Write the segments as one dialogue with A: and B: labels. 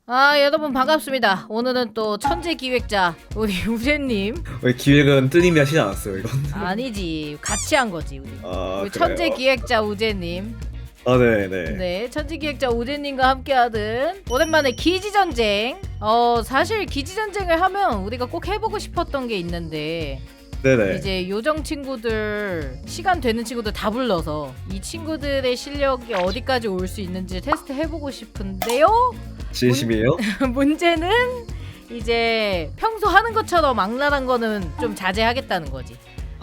A: 여러분 반갑습니다. 오늘은 또 천재 기획자 우리 우재님.
B: 왜 기획은 뜨님이 하시지 않았어요 이건?
A: 아니지, 같이 한 거지 우리. 우리
B: 그래요?
A: 천재 기획자 우재님.
B: 네네.
A: 네, 천재 기획자 우재님과 함께하는 오랜만에 기지 전쟁. 사실 기지 전쟁을 하면 우리가 꼭 해보고 싶었던 게 있는데.
B: 네네.
A: 이제 요정 친구들, 시간 되는 친구들 다 불러서 이 친구들의 실력이 어디까지 올 수 있는지 테스트 해보고 싶은데요.
B: 진심이에요?
A: 문제는 이제 평소 하는 것처럼 악랄한 거는 좀 자제하겠다는 거지.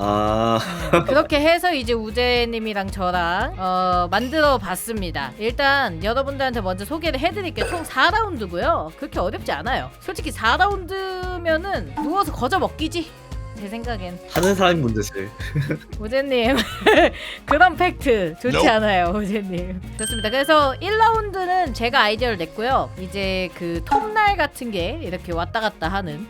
A: 그렇게 해서 이제 우재님이랑 저랑 만들어 봤습니다. 일단 여러분들한테 먼저 소개를 해드릴게요. 총 4라운드고요 그렇게 어렵지 않아요. 솔직히 4라운드면은 누워서 거저 먹기지, 제 생각엔.
B: 하는 사람이 문제지.
A: 우재님 그런 팩트 좋지 않아요 우재님. 좋습니다. 그래서 1라운드는 제가 아이디어를 냈고요. 이제 그 톱날 같은 게 이렇게 왔다 갔다 하는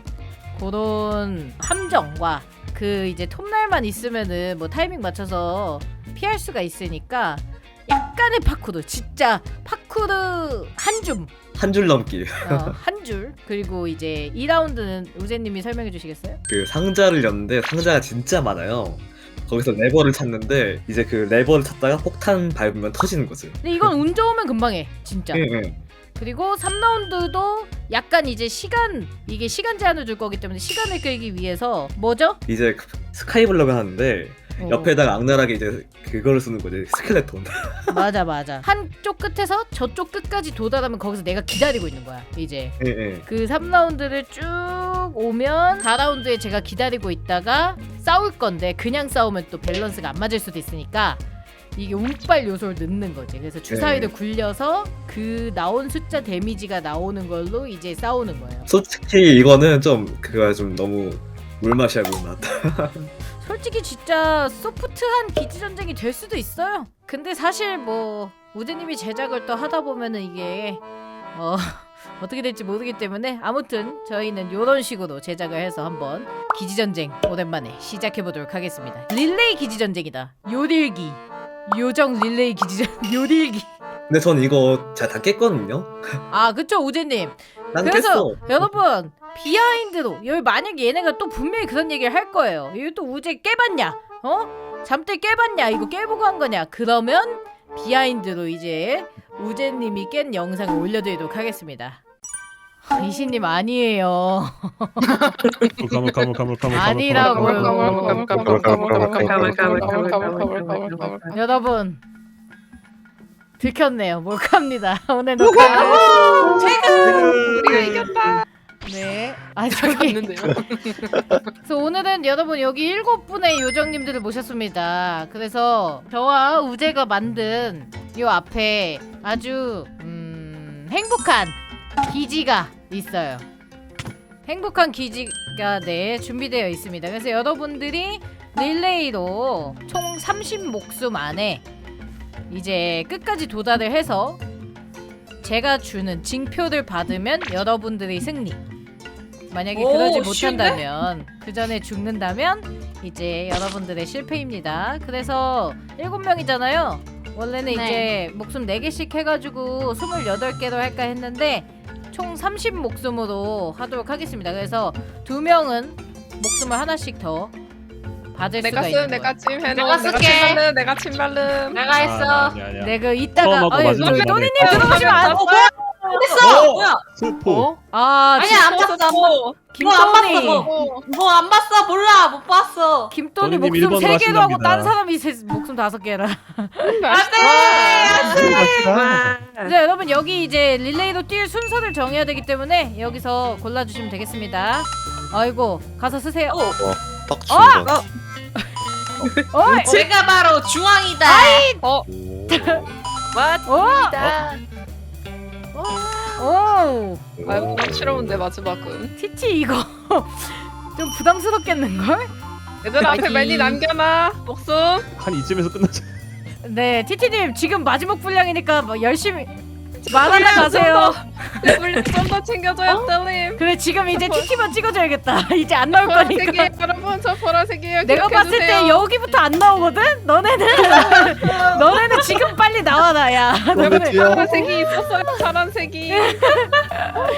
A: 그런 함정과 그 이제 톱날만 있으면은 뭐 타이밍 맞춰서 피할 수가 있으니까 약간의 파쿠르, 진짜 파쿠르
B: 한 줄 넘기.
A: 한 줄. 그리고 이제 2라운드는 우재님이 설명해 주시겠어요?
B: 그 상자를 였는데 상자가 진짜 많아요. 거기서 레버를 찾는데 이제 그 레버를 찾다가 폭탄 밟으면 터지는 거지.
A: 근데 이건 운 좋으면 금방 해 진짜.
B: 응.
A: 그리고 3라운드도 약간 이제 이게 시간 제한을 줄 거기 때문에 시간을 끌기 위해서 뭐죠?
B: 이제 스카이블럭을 하는데 옆에다가 악랄하게 이제 그거를 쓰는 거지, 스켈레톤.
A: 맞아. 한쪽 끝에서 저쪽 끝까지 도달하면 거기서 내가 기다리고 있는 거야 이제.
B: 예.
A: 그 3라운드를 쭉 오면 4라운드에 제가 기다리고 있다가 싸울 건데 그냥 싸우면 또 밸런스가 안 맞을 수도 있으니까 이게 운빨 요소를 넣는 거지. 그래서 주사위를 굴려서 그 나온 숫자 데미지가 나오는 걸로 이제 싸우는 거예요.
B: 솔직히 이거는 좀 그거야, 좀 너무 물맛이야, 물맛.
A: 솔직히 진짜 소프트한 기지 전쟁이 될 수도 있어요. 근데 사실 뭐 우재님이 제작을 또 하다 보면은 이게 어떻게 될지 모르기 때문에 아무튼 저희는 요런 식으로 제작을 해서 한번 기지 전쟁 오랜만에 시작해 보도록 하겠습니다. 릴레이 기지 전쟁이다. 요딜기 요정 릴레이 기지 전쟁 요딜기.
B: 근데 전 이거 제가 다 깼거든요.
A: 그쵸 우재님.
B: 난
A: 그래서
B: 깼어.
A: 여러분 비하인드로 여기 만약에 얘네가 또 분명히 그런 얘기를 할 거예요. 이거 또 우재 깨봤냐? 잠들 깨봤냐? 이거 깨보고 한 거냐? 그러면 비하인드로 이제 우재님이 깬 영상을 올려드리도록 하겠습니다. 이신님 아니에요. 아니라고요. 여러분 들켰네요. 몰카입니다. 오늘 녹화.
C: 우리가 이겼다.
A: 네. 저기. 그래서 오늘은 여러분 여기 7분의 요정님들을 모셨습니다. 그래서 저와 우재가 만든 요 앞에 아주 행복한 기지가 있어요. 행복한 기지가 준비되어 있습니다. 그래서 여러분들이 릴레이로 총 30목숨 안에 이제 끝까지 도달을 해서 제가 주는 징표를 받으면 여러분들이 승리. 만약에 그러지 못한다면, 그 전에 죽는다면 이제 여러분들의 실패입니다. 그래서 7명이잖아요. 원래는 이제 목숨 4개씩 해가지고 28개로 할까 했는데 총 30목숨으로 하도록 하겠습니다. 그래서 2명은 목숨을 하나씩 더 받을 수가 있는 거예요.
C: 내가 찜 해놓은.
D: 내가 쓸게.
C: 내가 침 바름.
D: 내가 했어.
A: 내가 이따가 또니님 들어오시면 안 돼.
D: 됐어. 뭐야?
B: 슬퍼.
D: 아니야 안 봤어.
A: 김또니.
D: 뭐 안 봤어. 몰라 못 봤어.
A: 김또니
E: 또니님
A: 목숨
E: 1번으로
A: 3개로 하고
E: 하신답니다.
A: 딴 사람이 목숨 5개라.
D: 안돼.
A: 네, 여러분 여기 이제 릴레이로 뛸 순서를 정해야 되기 때문에 여기서 골라주시면 되겠습니다. 아이고 가서 쓰세요.
D: 제가 바로 중앙이다.
A: 맞습니다. 오.
C: 아이고 부담스러운데 마지막은.
A: 티티 이거 좀 부담스럽겠는걸?
C: 얘들 앞에 많이 남겨놔. 목숨.
E: 한 이쯤에서 끝나자.
A: 네, 티티님 지금 마지막 분량이니까 뭐 열심히 말하다 가세요.
C: 좀 더 챙겨줘요, 뜰님.
A: 그래 지금 이제 티티만 찍어줘야겠다. 이제 안 나올 거니까.
C: 보라색이에요, 여러분. 저 보라색이에요.
A: 내가 봤을 때 여기부터 안 나오거든? 너네는 지금 빨리 나와라 야.
C: 여러분 파란색이 있었어요. 파란색이.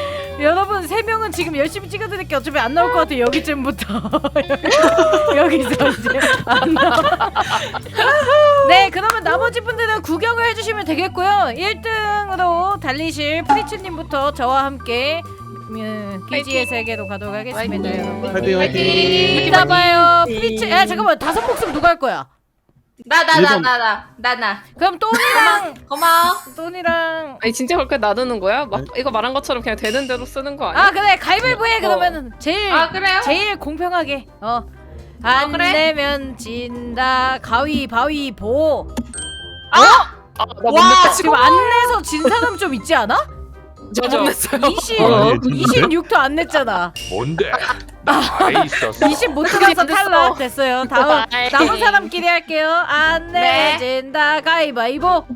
A: 방송은 지금 열심히 찍어드릴게. 어차피 안 나올 것 같아. 여기쯤부터 여기서 이제 안 나와. 네, 그러면 나머지 분들은 구경을 해주시면 되겠고요. 1등으로 달리실 프리츠님부터 저와 함께 기지의 세계로 가도록 하겠습니다. 여러분.
B: 화이팅.
A: 이따 봐요. 프리츠. 야 잠깐만, 5 목숨 누가 할 거야?
D: 나.
A: 그럼 또니랑
D: 고마워.
A: 또니랑.
C: 아니 진짜 그렇게 놔두는 거야? 막 이거 말한 것처럼 그냥 되는 대로 쓰는 거 아니야?
A: 아 그래, 가위바위보 해. 그러면은 제일
D: 아 그래요?
A: 제일 공평하게. 안
D: 그래?
A: 내면 진다. 가위바위보.
C: 나
D: 와,
A: 지금 안 내서 진 사람 좀 있지 않아?
C: 저못 냈어요.
A: 26도 안 냈잖아.
E: 뭔데? 나 있었어.
A: 20 못 들어서 탈락 됐어요. 다음 남은 사람끼리 할게요. 안
D: 네.
A: 내진다. 가위바위보.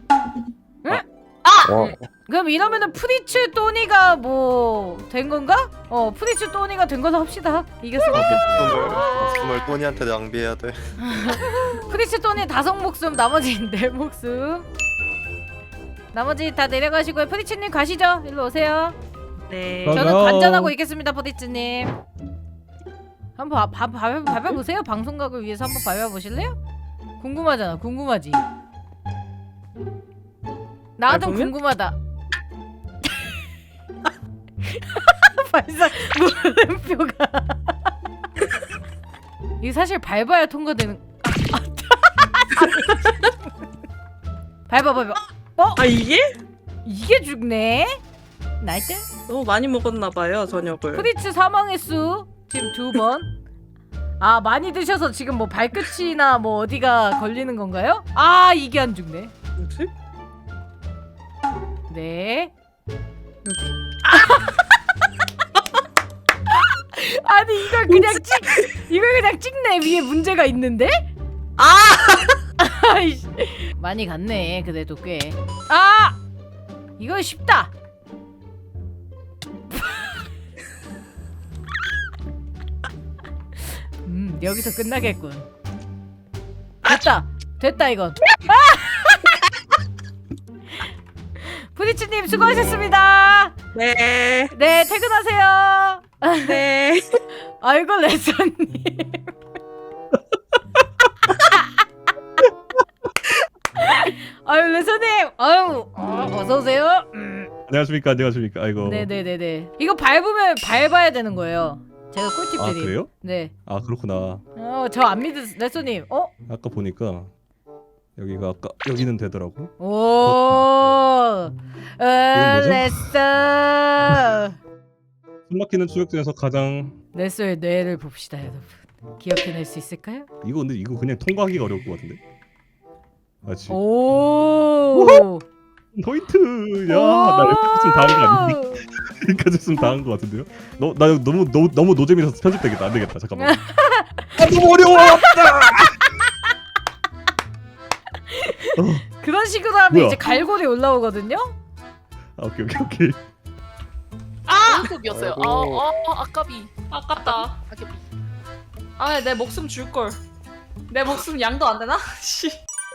A: 그럼 이러면은 프리츠 또니가 뭐 된 건가? 프리츠 또니가 된 거로 합시다. 이겼으니까.
F: 목숨을 또니한테 낭비해야 돼.
A: 프리츠 또니 5 목숨, 나머지 4 목숨. 나머지 다 내려가시고요. 프리츠님 가시죠. 일로 오세요.
G: 네.
A: 저는 관전하고 있겠습니다, 프리츠님. 한번 밟아보세요. 방송각을 위해서 한번 밟아보실래요? 궁금하잖아. 궁금하지? 나도
G: 밟으면?
A: 궁금하다. 발사 물음표가. 이게 사실 밟아야 통과되는. 밟아.
G: 아 이게?
A: 이게 죽네. 나이스.
G: 너무 많이 먹었나봐요 저녁을.
A: 프리츠 사망 횟수 지금 2번. 아 많이 드셔서 지금 뭐 발끝이나 뭐 어디가 걸리는 건가요? 아 이게 안 죽네.
G: 뭐지?
A: 네. 아니 이걸 그냥 찍네. 위에 문제가 있는데? 아이씨. 많이 갔네. 그래도 꽤. 이거 쉽다. 여기서 끝나겠군. 됐다 이건. 프리츠님 수고하셨습니다.
G: 네.
A: 네, 퇴근하세요.
G: 네.
A: 아이고 레서님. 아유 레서님. 아유 어서 오세요.
H: 안녕하십니까. 아이고.
A: 네네네네. 이거 밟아야 되는 거예요. 제가
H: 아
A: 꿀팁드림.
H: 그래요?
A: 네.
H: 아 그렇구나.
A: 저 안 믿으 레서님.
H: 아까 보니까 여기가 아까 여기는 되더라고.
A: 오.
H: 뭐죠?
A: 레서.
H: 숨막히는 추격 중에서 가장
A: 레서의 뇌를 봅시다, 여러분. 기억해낼 수 있을까요?
H: 근데 이거 그냥 통과하기가 어려울 것 같은데. 맞지?
A: 오.
H: 포인트. 야, 나 여기까지 다 한 거 아니니? 여기까지 다 한 거 같은데요? 나 너무 노잼이라서 편집되겠다. 안 되겠다. 잠깐만. 너무 어려워.
A: 그런 식으로 하면
H: 뭐야?
A: 이제 갈고리 올라오거든요.
H: 오케이.
D: 급이었어요. 아까비. 아깝다. 내 목숨 줄 걸. 내 목숨 양도 안 되나? 씨.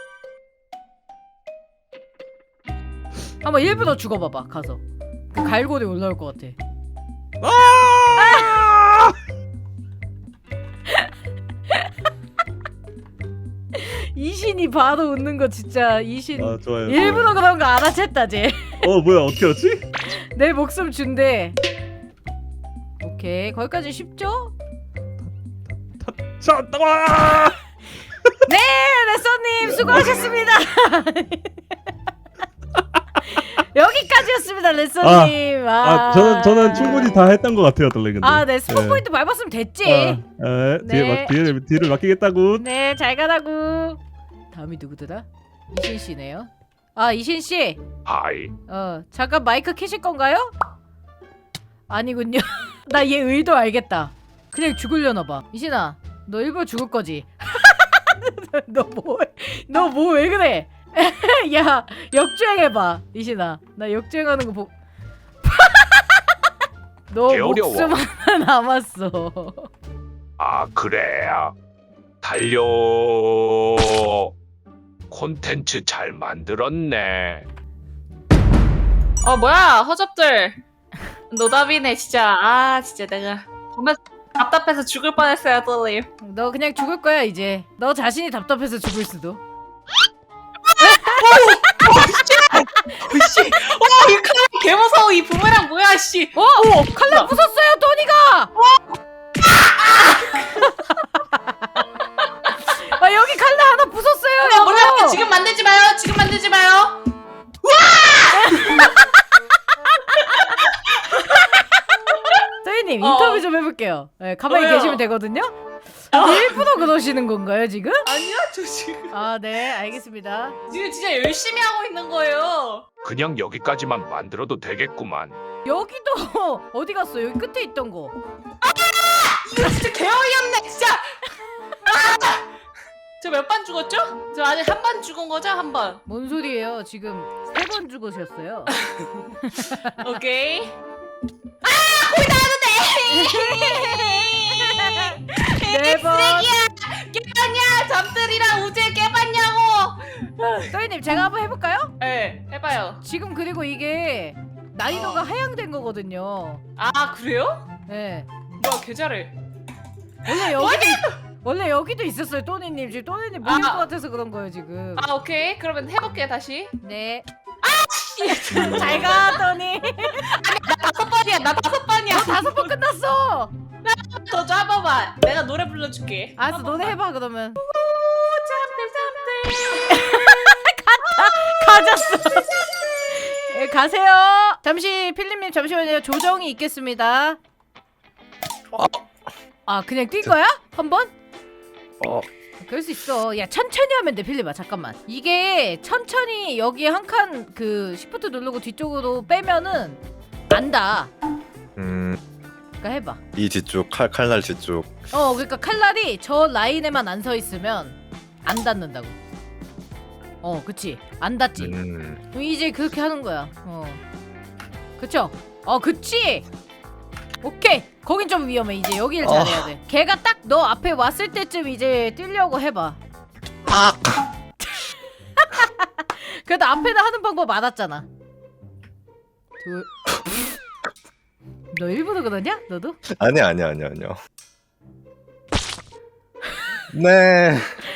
A: 한번 1분 더 죽어봐봐. 가서 그 갈고리 올라올 것 같아. 이신이 바로 웃는 거 진짜. 이신
H: 아 좋아요.
A: 일부러 그런 거 알아챘다 쟤.
H: 뭐야 어떻게 알았지?
A: 내 목숨 준대. 오케이, 거기까지 쉽죠?
H: 자, 나와!
A: 네, 레서님 수고하셨습니다. 여기까지였습니다, 레서님.
H: 저는 충분히 다 했던 것 같아요, 달래 근데.
A: 네, 스폰 포인트 밟았으면 됐지.
H: 네. 뒤를 맡기겠다고.
A: 네, 잘 가라고. 다음이 누구더라? 이신 씨네요. 이신 씨.
E: 하이.
A: 잠깐 마이크 켜실 건가요? 아니군요. 나 얘 의도 알겠다. 그냥 죽으려나 봐. 이신아, 너 일부러 죽을 거지? 너 뭐 왜 그래? 야, 역주행해봐. 이신아, 나 역주행하는 거 보. 너
E: 개어려워.
A: 목숨 하나 남았어.
E: 아 그래. 달려. 콘텐츠 잘 만들었네.
D: 뭐야 허접들. 노답이네 진짜. 아 진짜 내가 보면 답답해서 죽을 뻔했어요 똘님.
A: 너 그냥 죽을 거야 이제. 너 자신이 답답해서 죽을 수도.
D: 씨, 이 칼날 개 무서워. 이 부메랑 뭐야 씨.
A: 칼날 부쉈어요 토니가. 아 여기 칼날 하나 부쉈어요.
D: 뭐라고? 지금 만들지 마요. 지금 만들지 마요.
A: 토니님 인터뷰 좀 해볼게요. 네, 가만히
D: 왜요?
A: 계시면 되거든요. 일부러 그러시는 건가요 지금?
D: 아니야 저 지금
A: 아 네 알겠습니다.
D: 지금 진짜 열심히 하고 있는 거예요.
E: 그냥 여기까지만 만들어도 되겠구만.
A: 여기도 어디 갔어? 여기 끝에 있던 거.
D: 이거 진짜 개어이없네 진짜. 저 몇 번 죽었죠? 저 아직 한 번 죽은 거죠? 한 번.
A: 뭔 소리예요? 지금 3번 죽으셨어요.
D: 오케이.
A: 네 번.
D: 깨봤냐? 잠들이랑 우재 깨봤냐고.
A: 토니님 제가 한번 해볼까요?
D: 네, 해봐요.
A: 지금 그리고 이게 난이도가 하향된 거거든요.
D: 아 그래요?
A: 네.
D: 뭐야 개 잘해.
A: 원래 여기도 있었어요, 또니님. 지금 또니님 물릴
D: 아.
A: 것 같아서 그런 거예요, 지금.
D: 아 오케이. 그러면 해볼게요 다시.
A: 네. 잘 가, 또니.
D: 다섯 번이야. 나 다섯 번이야.
A: 5번 끝났어.
D: 더줘 한 번만. 내가 노래 불러줄게.
A: 알았어, 너네 해봐 그러면. 가졌어. 네, 가세요. 잠시 필립님 잠시만요. 조정이 있겠습니다. 아 그냥 뛴 거야? 한 번? 그럴 수 있어. 야 천천히 하면 돼 필립아. 잠깐만. 이게 천천히 여기 한 칸 그 시프트 누르고 뒤쪽으로 빼면은 안다. 그러니까 해봐.
F: 이 뒤쪽 칼날 뒤쪽.
A: 그러니까 칼날이 저 라인에만 안 서 있으면 안 닿는다고. 그치. 안 닿지. 이제 그렇게 하는 거야. 그쵸? 그치. 오케이. 거긴 좀 위험해. 이제 여기를 잘해야 돼. 걔가 딱 너 앞에 왔을 때쯤 이제 뛰려고 해봐. 그래도 앞에는 하는 방법 알았잖아. 너 일부러 그러냐? 너도?
F: 아니야. 네.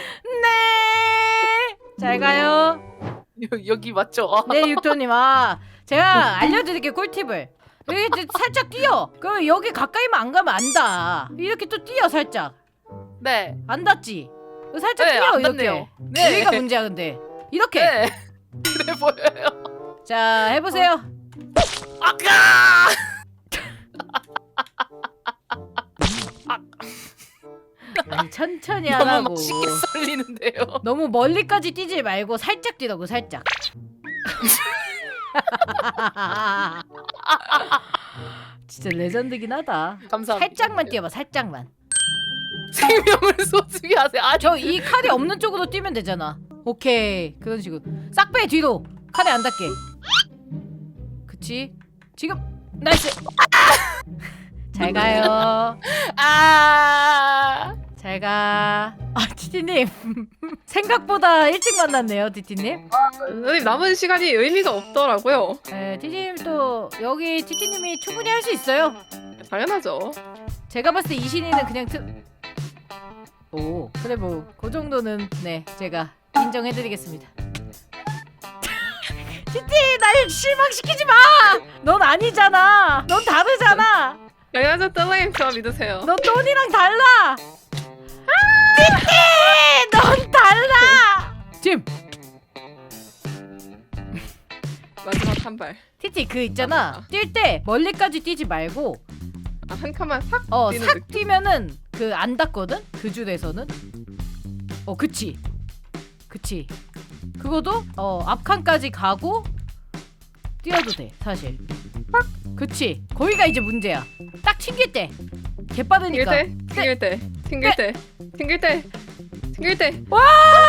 A: 네. 잘 가요.
D: 여기 맞죠?
A: 네, 육토님. 제가 알려드릴게요, 꿀팁을. 여기 이제 살짝 뛰어. 그러면 여기 가까이만 안 가면 안 닿아. 이렇게 또 뛰어, 살짝.
D: 네.
A: 안 닿지? 살짝
D: 네,
A: 뛰어,
D: 안
A: 이렇게.
D: 닿네요. 네.
A: 여기가 문제야, 근데. 이렇게.
D: 네. 그래 보여요.
A: 자, 해보세요.
D: 아까.
A: 천천히
D: 너무
A: 하라고.
D: 맛있게 썰리는데요.
A: 너무 멀리까지 뛰지 말고 살짝 뛰라고, 살짝. 진짜 레전드긴 하다.
D: 감사합니다.
A: 살짝만 뛰어봐, 살짝만.
D: 생명을 소중히 하세요.
A: 저 이 칼이 없는 쪽으로 뛰면 되잖아. 오케이, 그런 식으로. 싹 빼 뒤로. 칼이 안 닿게. 그치? 지금 나이스. 잘 가요. 잘 가. 티티님 생각보다 일찍 만났네요, 티티님.
C: 선생님 남은 시간이 의미가 없더라고요.
A: 네, 티티님 또 여기 티티님이 충분히 할 수 있어요.
C: 당연하죠.
A: 제가 봤을 때 이신이는 그냥 오, 그래 뭐 그 정도는 네 제가 인정해드리겠습니다. 티티 날 실망시키지 마. 넌 아니잖아. 넌 다르잖아.
C: 당연하죠, 뜰님. 저 믿으세요.
A: 너 돈이랑 달라. 티티 넌 달라. 짐.
C: 마지막 한 발.
A: 티티 그 있잖아. 뛸 때 멀리까지 뛰지 말고
C: 한 칸만 싹 뛰는
A: 싹
C: 느낌.
A: 뛰면은 그 안 닿거든? 그 줄에서는. 그치. 그거도 앞 칸까지 가고 뛰어도 돼 사실. 그치. 거기가 이제 문제야. 딱 튕길 때. 개빠르니까.
C: 튕길 때.
A: 와!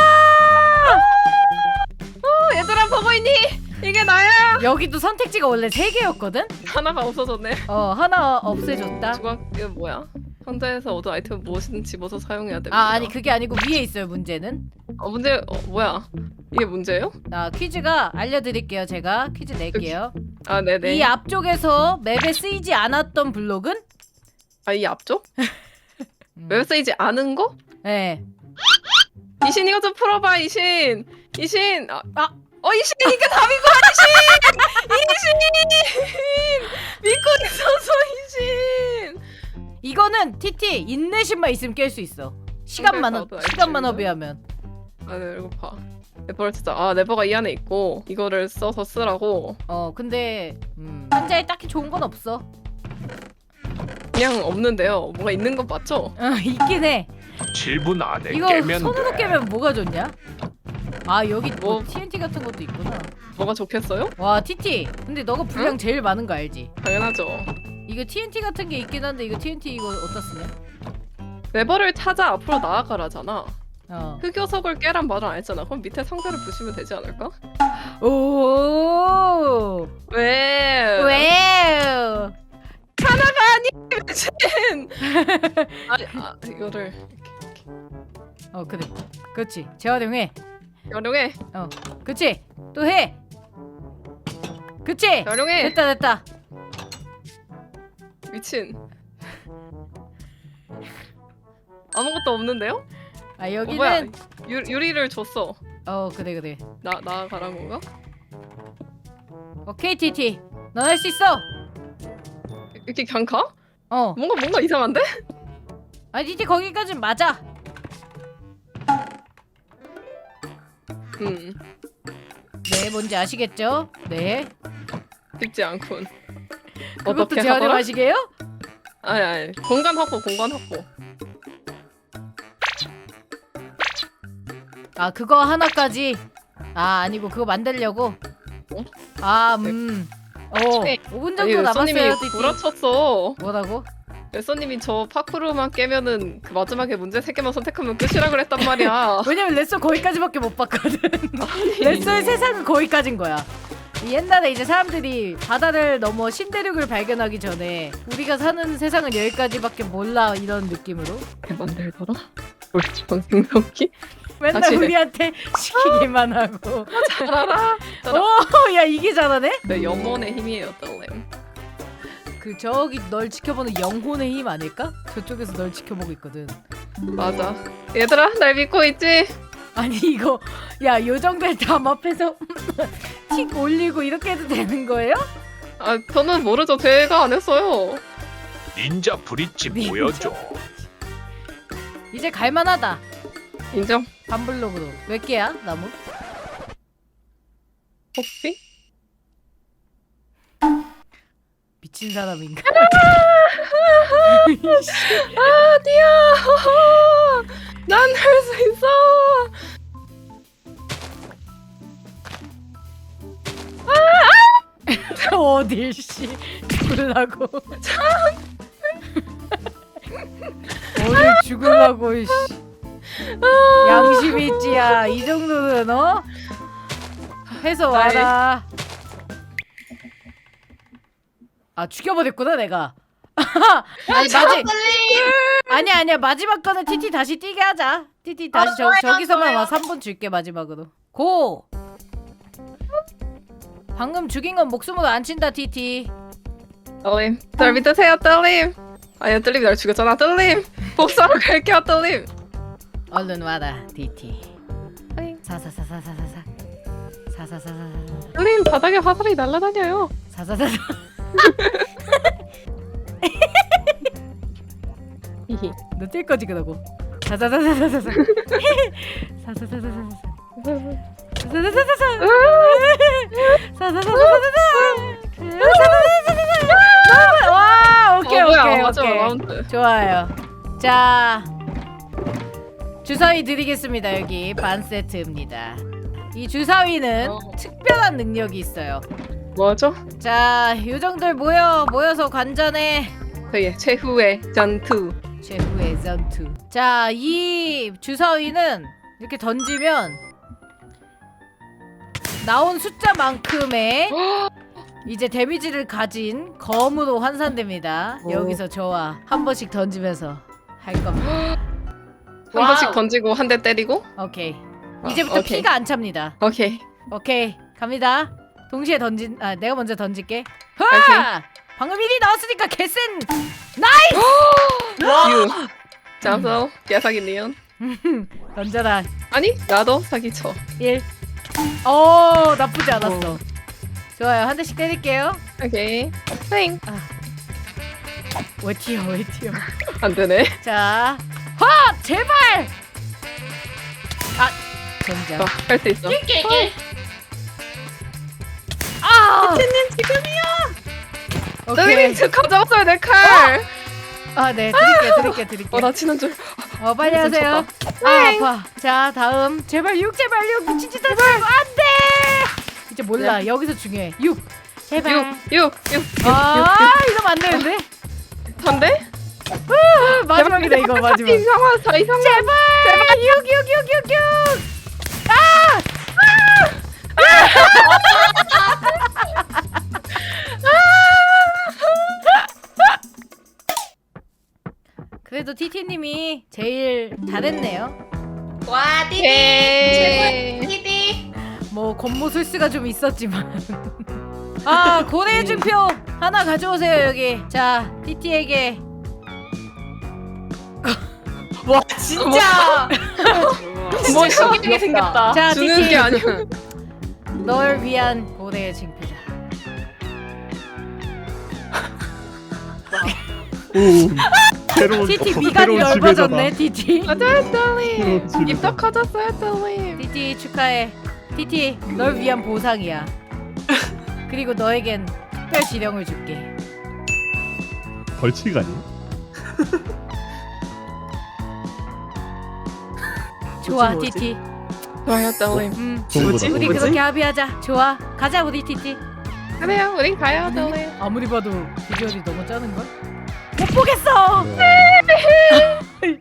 C: 얘들아 보고 있니? 이게 나야.
A: 여기도 선택지가 원래 3개였거든?
C: 하나가 없어졌네.
A: 하나 없애줬다.
C: 이거 뭐야? 상자에서 얻은 아이템 무엇이든 집어서 사용해야 됩니다.
A: 아니 그게 아니고 위에 있어요 문제는.
C: 문제 뭐야? 이게 문제예요?
A: 퀴즈가 알려드릴게요. 제가 퀴즈 낼게요.
C: 아 네네.
A: 이 앞쪽에서 맵에 쓰이지 않았던 블록은?
C: 이 앞쪽? 웹 쓰이지 않은 거?
A: 네.
C: 이신 이거 좀 풀어봐 이신. 이신. 이신 이게 답이고 이신. 믿고 있어서 이신.
A: 이거는 TT 인내심만 있으면 깰 수 있어. 시간만
C: 나도 알지,
A: 시간만
C: 이거.
A: 허비하면.
C: 아 네, 이거 봐. 네버를 진짜 네버가 이 안에 있고 이거를 써서 쓰라고.
A: 근데 상자에 딱히 좋은 건 없어.
C: 그냥 없는데요. 뭐가 있는 건 맞죠?
A: 있긴 해.
E: 7분 안에
A: 이거
E: 깨면
A: 손으로
E: 돼.
A: 깨면 뭐가 좋냐? 아 여기 뭐
C: 뭐-
A: TNT 같은 것도 있구나.
C: 뭐가 좋겠어요?
A: 와 TT. 근데 너가 분량 제일 많은 거 알지?
C: 당연하죠.
A: 이거 TNT 같은 게 있긴 한데 이거 TNT 이거 어디다 쓰냐?
C: 네버를 찾아 앞으로 나아가라잖아.
A: 흑요석을
C: 흑요석을 깨란 말을 안 했잖아. 그럼 밑에 상자를 부시면 되지 않을까?
A: 오.
C: 왜?
A: 왜?
C: 미친! 이거를
A: 그래. 그렇지. 재활용해.
C: 활용해.
A: 그렇지. 또 해. 그렇지.
C: 활용해.
A: 됐다.
C: 미친. 아무것도 없는데요?
A: 아
C: 뭐야?
A: 여기는
C: 유리를 줬어.
A: 그래.
C: 나가란 건가?
A: 오케이 TT. 넌 할 수 있어.
C: 이렇게 그냥 가?
A: 어.
C: 뭔가 이상한데?
A: 아 TT 거기까진 맞아. 네, 뭔지 아시겠죠? 네.
C: 쉽지 않군.
A: 그것도
C: 어떻게
A: 재활용
C: 하더라?
A: 하시게요?
C: 아니 공간 확보.
A: 아 그거 하나까지. 아니고 그거 만들려고.
C: 네.
A: 5분 정도 남았어요.
C: 레쏘님이
A: TT.
C: 구라쳤어.
A: 뭐라고?
C: 레쏘님이 저 파쿠르만 깨면은 그 마지막에 문제 3개만 선택하면 끝이라 그랬단 말이야.
A: 왜냐면 레쏘 거기까지밖에 못 봤거든. 레쏘의 세상은 거기까진 거야. 옛날에 이제 사람들이 바다를 넘어 신대륙을 발견하기 전에 우리가 사는 세상은 여기까지밖에 몰라 이런 느낌으로
C: 만들더라? 우리 생명기?
A: 맨날
C: 다시 해.
A: 우리한테 시키기만 하고.
C: 잘 알아.
A: 야 이게 잘하네?
C: 내 영혼의 힘이에요, 떨렘.
A: 그 저기 널 지켜보는 영혼의 힘 아닐까? 저쪽에서 널 지켜보고 있거든.
C: 맞아. 얘들아, 날 믿고 있지?
A: 아니 이거 야 요정들 담 앞에서 틱 올리고 이렇게 해도 되는 거예요?
C: 저는 모르죠. 제가 안 했어요.
E: 닌자 브릿지
A: 닌자
E: 보여줘.
A: 이제 갈만하다.
C: 인정.
A: 반블록으로. 몇 개야 나무?
C: 혹시?
A: 미친 사람인가?
C: 아니야. 난 할 수 있어.
A: 어딜 씨 죽을라고. 어딜 죽을라고 씨. 양심이 있지야. 이 정도는 해서 와라. 죽여버렸구나 내가. 아니야 마지막 거는 TT 다시 뛰게 하자. TT 다시 저기서만 와. 3분 줄게 마지막으로. 고. 방금 죽인 건 목숨으로 안 친다 TT.
C: 떨림. 날 믿으세요, 떨림. 아니야, 떨림이 날 죽였잖아, 떨림. 복수하러 갈게요, 떨림.
A: 얼른 와라 TT. 사사사사사사사. 사사사사사.
C: 떨림, 바닥에 화살이 날아다녀요.
A: 사사사사.
C: 히히.
A: 너 뛸 거지 그러고. 사사사사사사. 사사사사사사. 사사사사사. 사사사사사. 와 오케이 오케이
C: 마지막
A: 오케이.
C: 라운드.
A: 좋아요. 자 주사위 드리겠습니다. 여기 반 세트입니다. 이 주사위는 특별한 능력이 있어요.
C: 뭐죠?
A: 자 요정들 모여서 관전해.
C: 저의 최후의 전투.
A: 최후의 전투. 자 이 주사위는 이렇게 던지면 나온 숫자만큼의 이제 데미지를 가진 검으로 환산됩니다. 여기서 저와 한 번씩 던지면서 할 겁니다.
C: 한 번씩 던지고 한 대 때리고.
A: 오케이. 이제부터
C: 오케이.
A: 피가 안 찹니다.
C: 오케이.
A: 오케이 갑니다. 동시에 던진 내가 먼저 던질게.
C: 오케이.
A: 하! 방금 1이 나왔으니까 개센.
C: 유. 자서 야사기네요.
A: 던져라.
C: 아니 나도 사기쳐.
A: 1. 나쁘지 않았어. 좋아요. 한 대씩 때릴게요.
C: 오케이. 땡.
A: 왜 튀어?
C: 안 되네.
A: 자, 제발. 젠장.
C: 할 수 있어.
A: 피트님 지금이야.
C: 떨림
A: 오케이.
C: 저 가져왔어요 내 칼.
A: 네, 드릴게.
C: 나 치는 줄.
A: 빨리 하세요. 아파. 자, 다음. 제발 6. 미친 짓 하지 말고. 안 돼. 이제 몰라. 여기서 중요해. 6. 제발.
C: 6.
A: 이러면 안 되는데.
C: 한대?
A: 마지막이다, 이거 마지막.
C: 이상한 사 이상한.
A: 제발. 6. 그래도 TT님이 제일 잘했네요.
D: 와
C: 예.
D: 디디.
A: 뭐 겉모술수가 좀 있었지만 고래의 증표 하나 가져오세요. 여기. 자, TT에게.
D: 와 진짜.
C: 뭐
D: 신기하게 생겼다.
A: 자,
C: 주는
A: TT
C: 게 아니고.
A: 널 위한 고래의 증표다.
H: 오. 새로운
A: TT 미간이
H: 새로운
A: 넓어졌네. TT.
C: 맞아요 떨림.
H: 새로운 지배자다.
C: 입덕 커졌어요 떨림.
A: TT 축하해. TT 널 위한 보상이야. 그리고 너에겐 특별 지령을 줄게.
H: 벌칙 아니에요?
A: 좋아,
G: 뭐지?
A: TT.
C: 좋아요 떨림.
H: 좋은 거다.
A: 우리
G: 뭐지?
A: 그렇게 합의하자. 좋아. 가자, 우리 TT.
C: 그래요 우린 가요 떨림.
A: 아무리 봐도 비주얼이 너무 짜는 걸. 못 보겠어.
H: 네.